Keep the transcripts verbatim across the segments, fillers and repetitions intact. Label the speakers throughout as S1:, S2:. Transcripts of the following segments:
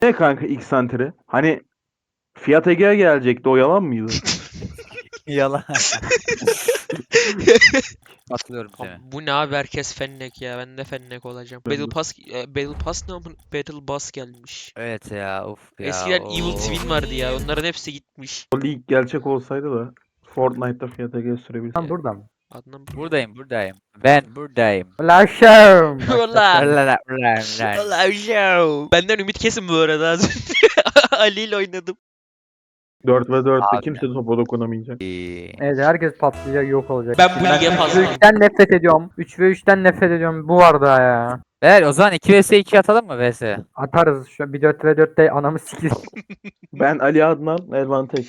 S1: Ne kanka ilk santeri? Hani Fiat Egea gelecekti, o yalan mıydı?
S2: Yalan. Atlıyorum
S3: Abi,
S2: seni.
S3: bu ne abi, herkes fennek ya. Ben de fennek olacağım. Battle Pass, e, Battle Pass ne amın? Battle Bus gelmiş.
S2: Evet ya, uf ya.
S3: Eskiden Evil
S2: of.
S3: Twin vardı ya. Onların hepsi gitmiş.
S1: O lig gerçek olsaydı da Fortnite'da Fiat Egea sürebilsem.
S4: Ben burada mı?
S3: Adnan
S2: Buradayım, buradayım. Ben buradayım.
S4: Ulaşım.
S3: Ulan.
S2: Ulan, ulan, ulan.
S3: Ulan show. Benden ümit kesin bu arada az önce. Ali ile oynadım.
S1: dört ve dörtte
S2: Abi.
S1: kimse topa dokunamayacak.
S2: İyi.
S4: Evet, herkes patlayacak, yok olacak.
S3: Ben bu lige
S4: üç ve
S3: fazla.
S4: üçten nefret ediyorum. üç ve üçten nefret ediyorum. Bu var daha ya.
S2: Evet, o zaman iki vs iki atalım mı vs?
S4: Atarız şu an. Bir dört ve dörtte anamı sikir.
S1: Ben Ali Adnan, Elvan Tek.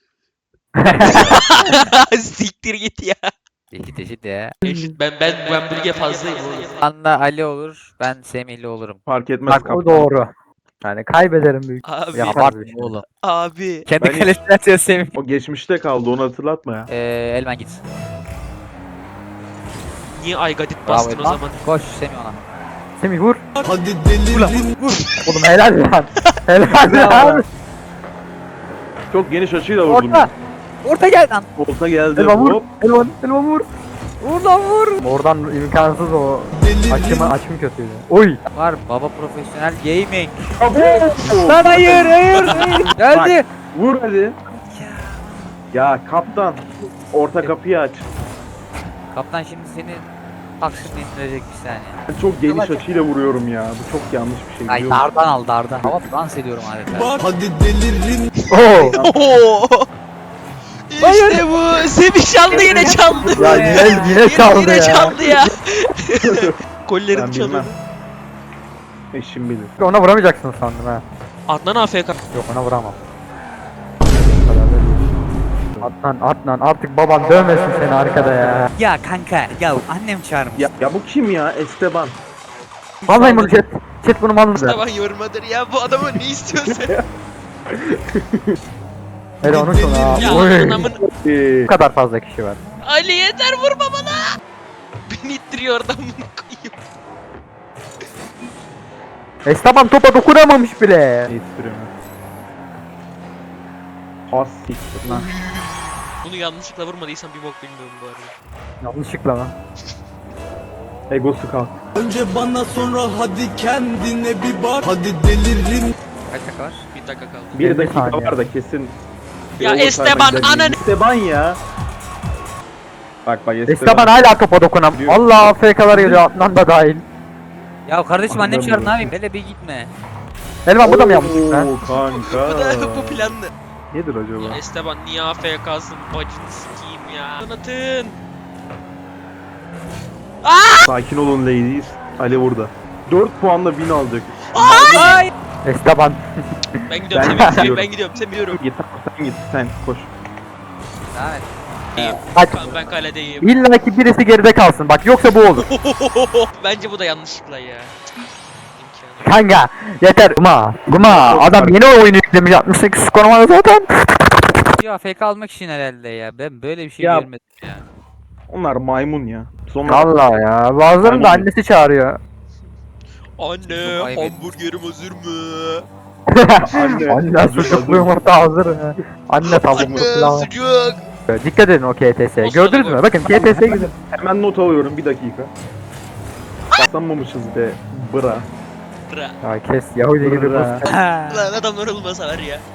S3: Siktir git ya.
S2: Eşit eşit ya.
S3: Eşit. Ben ben ben bu lige fazlayım oğlum.
S2: Anla Ali olur, ben Semihli olurum.
S1: Fark etmez
S4: Bak o
S1: kaptan.
S4: doğru. Yani kaybederim büyük.
S3: Abi.
S4: Ya,
S2: Abartma
S4: bir şey.
S2: oğlum.
S3: Abi.
S2: Kendi
S1: Ben hiç-
S2: kalesine atıyor Semih.
S1: O geçmişte kaldı, onu hatırlatma ya.
S2: Ee, Elman git.
S3: Niye Aygadit
S2: Bravo
S3: bastın o
S2: Elman.
S3: zaman?
S2: Koş Semih ona.
S4: Semih vur.
S5: Hadi delirin.
S4: Oğlum helal lan. Helal
S2: Bravo.
S4: lan.
S1: Çok geniş açıyla vurdum.
S2: Orta. Orta gel lan.
S1: Orta geldi.
S4: Elvan vur.
S1: Hop.
S4: Elvan. Elvan vur.
S2: Vur lan vur.
S4: Oradan imkansız o.
S5: Delirin.
S4: Açımı açım kötüydü. Oy.
S2: Var baba profesyonel gaming.
S1: Abo!
S2: Lan hayır hayır hayır. Geldi.
S1: Vur hadi. Ya kaptan, orta kapıyı aç.
S2: Kaptan şimdi seni taksirine indirecek bir saniye.
S1: Ben çok geniş açıyla vuruyorum ya. Bu çok yanlış bir şey.
S2: Ay
S1: biliyor musun?
S2: dardan al dardan. Hava dans ediyorum adeta.
S5: Bak hadi delirin.
S4: Oo.
S3: Oo. İşte bu. Semih çaldı, yine çaldı.
S4: Ya yine yine çaldı
S3: Yine
S4: ya.
S3: çaldı ya. Gollerim
S1: Ben
S3: çalıyor.
S1: bilmem. Eşim bilir.
S4: Ona vuramayacaksın sandım ha.
S3: Adnan A F K.
S4: Yok, ona vuramam. Bu kadar da değil. Adnan, Adnan artık baban dövmesin seni arkada ya.
S2: Ya kanka ya annem çağırmış.
S1: Ya, ya bu kim ya? Esteban.
S4: Vallahi bunu chat. Chat bunu malını der.
S3: Sabah yormadır ya, bu adamı ne istiyorsun?
S4: Hele onu sonra.
S3: Ya
S4: Oy.
S3: adamın
S1: Ee,
S4: Bu kadar fazla kişi var.
S3: Ali yeter, vurma bana. Beni ittiriyor oradan, bunu koyayım.
S4: Esteban topa dokunamamış bile.
S1: ne istiyorum? Has siktir lan.
S3: Bunu yanlışlıkla vurmadıysam bir bok bilmiyorum bu arada.
S4: Yanlışlıkla lan.
S1: Egosu kalk.
S5: Önce bana sonra hadi kendine bir bak. Hadi delirin.
S2: Kaç dakika var?
S3: Bir dakika kaldı.
S1: Bir
S4: elli
S1: dakika
S4: saniye.
S1: var da kesin.
S3: Ya
S1: Overtime'a
S3: Esteban,
S1: gidelim.
S3: ananı-
S1: Esteban ya. Bak bak Esteban.
S4: Esteban hala topa dokunam.
S1: Diyor.
S4: Allah A F K'lar geliyor, Adnan da dahil.
S2: Ya kardeşim annem
S1: Anladım.
S2: çağırdı ne yapayım? Hele bir gitme.
S4: Elvan bu da mı yanlış lan?
S1: Oo kanka.
S3: Bu da bu planlı.
S1: Nedir acaba?
S3: Esteban niye A F K'sın, bacını sikeyim ya. Anlatın.
S1: Sakin olun ladies. Ali burada. dört puanla win alacak.
S2: Ay.
S4: Esteban.
S3: Ben gidiyorum,
S1: Ben
S3: Semih, Semih,
S1: gidiyorum.
S3: ben gidiyorum, Semih yürüyorum.
S1: Git sen git sen koş.
S2: Devam et.
S4: Kaç.
S3: Ben, ben kaledeyim.
S4: İlla ki birisi geride kalsın bak, yoksa bu olur.
S3: Bence bu da yanlışlıkla ya. İmkanı.
S4: Kanka yeter. Guma. Guma. Adam yeni oyunu yüklemiş, altmış sekiz skor var zaten.
S2: Ya F K almak için herhalde ya. Ben böyle bir şey
S1: Ya-
S2: görmedim ya.
S1: Onlar maymun ya. Sonra
S4: Vallahi ya. Bazılarının da
S1: Aynen.
S4: annesi çağırıyor.
S3: Anne,
S2: Çok ayıp
S3: hamburgerim hazır mı?
S1: anne.
S4: Anne sucuklu yumurta hazır mı? Anne tavuklu
S3: Anne,
S4: pilav.
S3: sucuk.
S4: Dikkat edin o K T S'ye.
S3: O
S4: Gördünüz
S3: sırada
S4: mü? Bakın K T S'ye güzel.
S1: Hemen not alıyorum bir dakika. Basamamışız be. Bra.
S3: Bra.
S4: Ya kes Yahudi gibi
S1: Bra.
S4: bas.
S3: Lan adamlar olmasa var ya.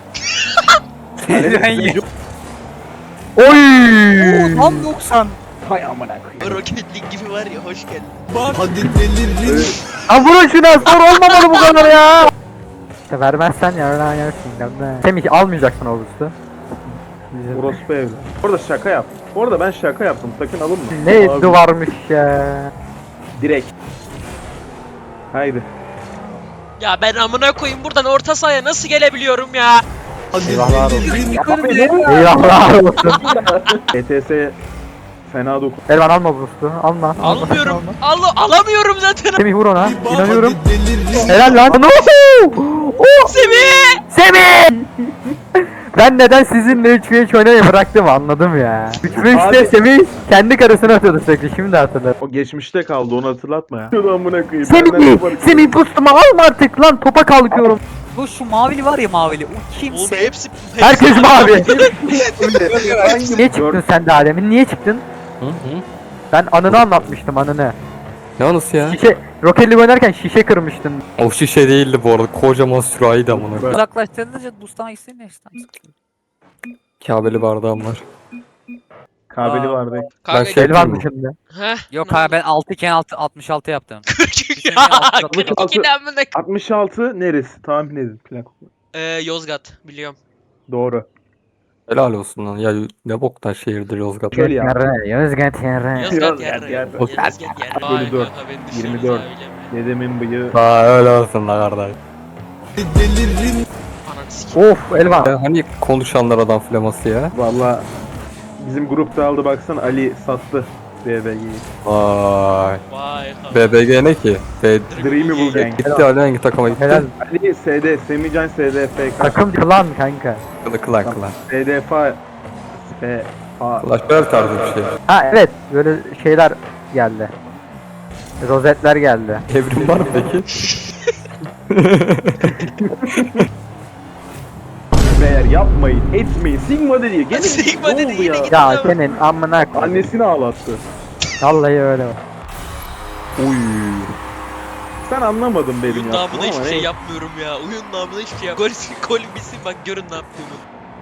S4: Oy!
S2: Tam doksan.
S1: Hay amına koyayım.
S3: Roketlik gibi var ya, hoş geldin.
S5: Bak hadi delirin.
S1: Evet.
S4: Ha vurun şuna, sor olmamalı bu kadar ya. İşte vermezsen ya öyle yersin. Semih almayacaksın o boost'u.
S1: Orospu evli. Orada şaka yap. Orada ben şaka yaptım. Sakın alınma.
S4: Ne
S1: Abi,
S4: duvarmış ya.
S1: Direkt. Haydi.
S3: Ya ben amına koyayım, buradan orta sahaya nasıl gelebiliyorum ya?
S5: Hadi
S4: Eyvahlar olsun.
S5: delirin.
S4: Eyvahlar olsun.
S1: E T S fena dokun.
S4: Elvan alma boost'u. Alma. alma,
S3: Almıyorum.
S4: alma.
S3: Al alamıyorum zaten.
S4: Semih vur ona.
S5: Bir bak,
S4: İnanıyorum.
S5: hadi delirin.
S4: Helal lan. Oh!
S3: Semih!
S4: Semih! Ben ben neden sizinle üç ve üç oynamayı bıraktım anladım ya. üç ve üçte
S1: Abi-
S4: Semih kendi karısını atıyordu sürekli, şimdi hatırladım.
S1: O geçmişte kaldı, onu hatırlatma ya. Şunu amına koyayım.
S4: Semih,
S1: benden yapar-
S4: Semih boostuma alma artık lan, topa kalkıyorum.
S2: Bu şu mavili var ya mavili. O
S3: Oğlum
S2: kimse.
S3: hepsi, hepsi
S4: Herkes mavi.
S1: Hangi-
S4: Niye çıktın sen de Adem'in, niye çıktın?
S6: Hı hı.
S4: Ben anını anlatmıştım, anını.
S6: Ne anısı ya?
S4: Şişe, Rocket League oynarken şişe kırmıştın.
S6: O şişe değildi bu arada. Kocaman sürahiydi amına. koyayım.
S2: Uzaklaştırınca boostlamak istediğin işte.
S6: Kabeli bardağım var.
S1: Kabeli
S2: Aa.
S1: vardı.
S3: Kanka,
S6: şey-
S4: Elvan dışında.
S3: Heh.
S2: Yok abi ben altı iken altı altmış altı yaptım.
S3: ya kırk ikiden mi ne?
S1: altmış altı neresi? Tahmin edin. Plak.
S3: Ee, Yozgat biliyorum.
S1: Doğru.
S6: Helal olsun lan. Ya ne boktan şehirdir Yozgat.
S1: Şöyle ya.
S4: Yarı, Yozgat yarı.
S3: Yozgat
S1: Yozgat
S3: yerre.
S1: yerre.
S3: Yozgat yerre.
S1: Bölü
S3: Vay
S1: dört.
S3: kanka beni düşündün
S1: yirmi dört.
S3: öyle mi?
S1: Dedemin bıyığı.
S6: Aa öyle olsun la kardeş.
S5: Delirin
S3: Ananı sikeyim.
S4: Of Elvan.
S6: Ya hani konuşanlar adam flaması ya.
S1: Valla bizim grupta aldı baksan, Ali sattı B B G'yi.
S6: Vay.
S3: Vay kanka.
S6: B B G ne ki? B
S1: Dreamy Bull Gang.
S6: gitti Ali hangi takıma gitti?
S4: Helal.
S1: Ali S D, Semican S D F K,
S4: Takım klan kanka.
S6: Kılı kılan kılan.
S1: S D F F A.
S6: Clash Royale tarzı bir şey.
S4: Ha evet, böyle şeyler geldi. Rozetler geldi.
S6: Evrim var mı peki?
S1: Beyler yapmayın, etmeyin. Sigma dedi. Gene
S3: Sigma
S1: ne
S3: dedi,
S1: oldu
S3: yine
S1: ya?
S3: gitti.
S4: Ya senin amına koy.
S1: Annesini ağlattı.
S4: Vallahi öyle.
S6: Uy.
S1: Sen anlamadın benim
S3: Oyun
S1: yaptığımı
S3: namına hiçbir
S1: ama
S3: şey
S1: neyse.
S3: yapmıyorum ya. Oyun namına hiçbir şey yapmıyorum. Gol, gol bitsin bak görün ne yaptığımı.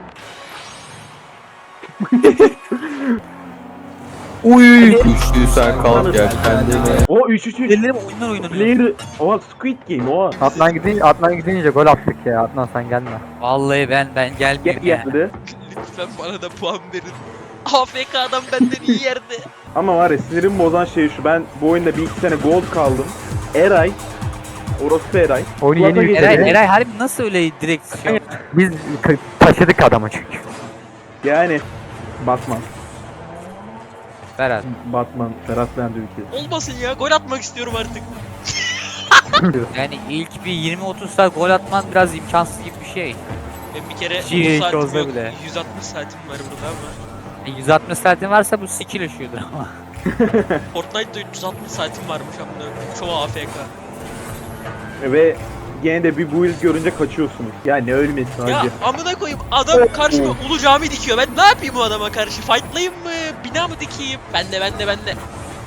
S6: Uy. Güçlü sen kal gel kendine.
S1: O üç üç üç.
S2: Ellerim oyunlar oynanıyor.
S1: Player. Oha Squid Game oha.
S4: Adnan gidince, Adnan gidince gol attık ya. Adnan sen gelme.
S2: Vallahi ben ben
S1: Gel
S2: gelmeyeyim ya.
S1: geldi.
S3: Lütfen bana da puan verin. A F K adam benden iyi yerde.
S1: Ama var ya, sinirimi bozan şey şu. Ben bu oyunda bir iki sene gold kaldım. Eray. Orospu Eray.
S4: Oyunu yeni
S1: Kulakla
S4: yükledik.
S1: geçirdi.
S2: Eray, Eray harbi nasıl öyle direkt şey yaptı?
S4: Biz k- taşıdık adamı çünkü.
S1: Yani. Batman.
S2: Berat.
S1: Batman. Ferhat Lendi ülkesi.
S3: Olmasın ya gol atmak istiyorum artık.
S2: Yani ilk bir yirmi otuz saat gol atman biraz imkansız gibi bir şey.
S3: Ben bir kere
S2: Hiç
S3: otuz saatim
S2: olsa
S3: yok.
S2: bile.
S3: yüz altmış saatim var burada ama.
S2: E, yüz altmış saatin varsa bu skill ışıyordur ama.
S3: Fortnite'da üç yüz altmış saatim varmış amına. Çoğu A F K.
S1: Ve gene de bir build görünce kaçıyorsunuz. Ya ne ölmesi
S3: Ya
S1: hacı.
S3: amına koyayım adam karşıma Ulu Cami dikiyor. Ben ne yapayım bu adama karşı? Fightlayayım mı? Bina mı dikeyim? Ben de ben de ben de.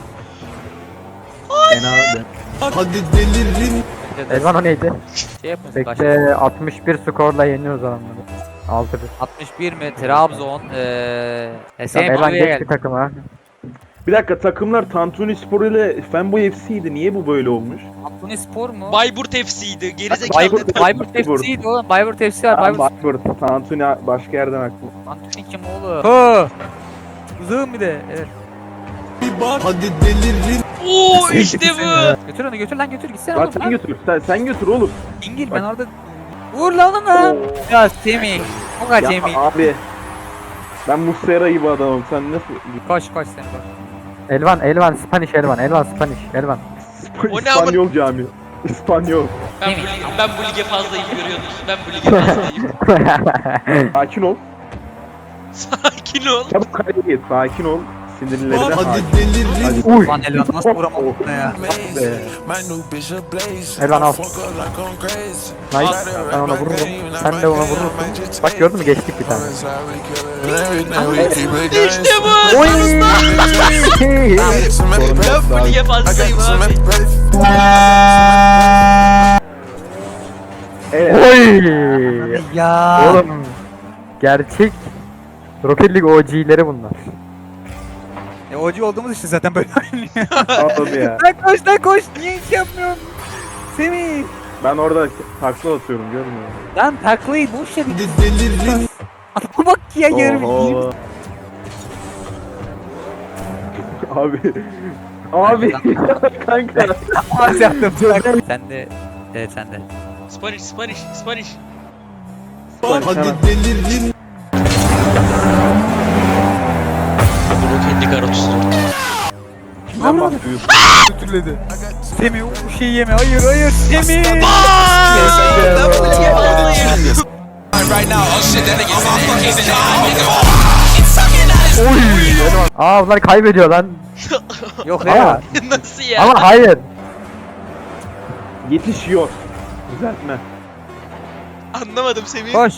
S1: Fena de.
S5: hadi delirin
S4: Elvan o neydi?
S2: Şey yapın. Kaç?
S4: Bekle, altmış bir skorla yeniyoruz adamları. altı bir.
S2: altmış bir mi? Trabzon. Eee...
S4: Tamam,
S2: Hüseyin
S4: Elvan
S2: Mavi'ye
S4: geç
S2: geldi.
S4: bir takıma.
S1: Bir dakika, takımlar Tantuni Spor ile Fanboy F C'ydi. Niye bu böyle olmuş?
S2: Antony Spor mu?
S3: Bayburt F C'ydi. Gerizekalı.
S2: Bayburt, Bayburt F C'ydi oğlum. Bayburt F C var.
S1: Tamam,
S2: Bayburt.
S1: Bayburt. Tantuni başka yerden aklı.
S2: Antony kim oğlum? Hı. Uzun bir de. Evet.
S5: bir bak hadi delirin
S3: Oo işte bu.
S2: Götür onu götür lan götür gitsene
S1: Bak
S2: oğlum.
S1: sen
S2: lan.
S1: götür. Sen, sen götür oğlum.
S2: İngil ben orada. Vur lan onu. Ya Semih. O kadar
S1: Ya
S2: Semih.
S1: abi. Ben Muslera gibi adamım. Sen nasıl?
S2: Koş koş sen koş.
S4: Elvan, Elvan, Spanish Elvan, Elvan, Spanish, Elvan.
S3: O ne
S1: İspanyol cami. İspanyol.
S3: Ben bu, lige, ben bu lige fazlayım görüyorsunuz. Ben bu lige fazlayım.
S1: Sakin ol.
S3: Sakin ol.
S1: Çabuk kaleye git. Sakin ol. Sinirlerine
S5: hadi
S1: hakim.
S5: delirin
S1: Hadi.
S4: Uy!
S2: Lan Elvan nasıl vuramadım buna ya?
S1: Be.
S4: Elvan al. Nice. Ben ona vururum. Sen de ona vurursun. Bak gördün mü, geçtik bir tane.
S3: İşte bu.
S4: Oy!
S3: Ben bu lige fazlayım abi.
S1: Evet.
S4: Oy!
S2: Ya.
S4: Oğlum gerçek Rocket League O G'leri bunlar.
S2: E ocu olduğumuz için zaten böyle oynuyor.
S1: Anladım ya.
S2: Lan koş lan koş. Niye hiç yapmıyorsun? Semih.
S1: Ben orada takla atıyorum, görmüyor musun?
S2: Lan taklayı boş ver.
S5: hadi delirin
S2: Adama bak ya yarım yiyeyim.
S1: Oho. Abi. Abi. Kanka.
S2: Az yaptım. Sen de. Evet sen de.
S3: Spanish, Spanish, Spanish.
S5: hadi delirin
S3: Bunu kendi karotusu.
S1: Kimden bahsediyorsun?
S2: Götürledi. Semih o şeyi yeme. Hayır hayır Semih.
S3: Ben bu lige fazlayım.
S5: right now oh shit that nigga
S4: Aa bunlar kaybediyor lan.
S2: Yok
S4: Ama,
S2: ya.
S3: Nasıl ya?
S4: ama hayır.
S1: Yetişiyor. Düzeltme.
S3: Anlamadım Semih.
S2: Koş.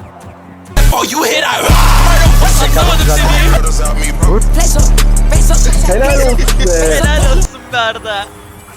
S3: Anlamadım Semih.
S1: Helal olsun be.
S3: Helal olsun be Arda.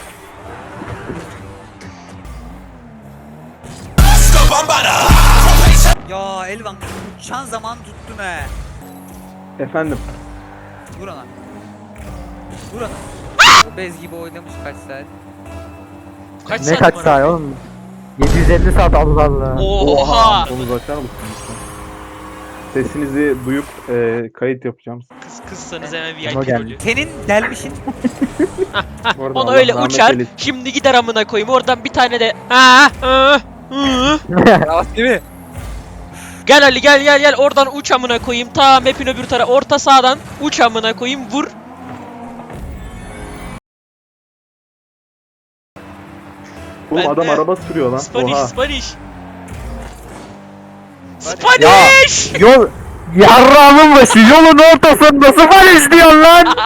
S2: Ya Elvan uçan zaman tuttum he.
S1: Efendim.
S2: Vur ona. Vur ona. O bez gibi oynamış kaç saat.
S3: Kaç
S4: Ne
S3: saat
S4: kaç
S3: var?
S4: saat oğlum? yedi yüz elli saat Allah Allah.
S3: Oha.
S1: Onu açar mısın lütfen? Sesinizi duyup e, kayıt yapacağım.
S3: Kız kızsanız hemen
S4: Ona
S3: V I P
S4: geldi.
S3: rolü.
S2: Senin gelmişin
S1: Bu arada
S3: Onu
S1: Allah
S3: öyle
S1: rahmet
S3: uçar.
S1: eylesin.
S3: Şimdi gider amına koyayım. Oradan bir tane de ha ha hı.
S2: değil mi?
S3: Gel Ali gel gel gel oradan uç amına koyayım. Ta map'in öbür tarafı orta sağdan uç amına koyayım vur.
S1: Oğlum
S3: Ben
S1: adam
S3: de-
S1: araba sürüyor lan.
S3: Spanish
S1: Oha.
S3: Spanish.
S2: Hadi.
S3: Spanish!
S4: Yol yarrağımın başı yolun ortasında sıfır istiyorsun lan.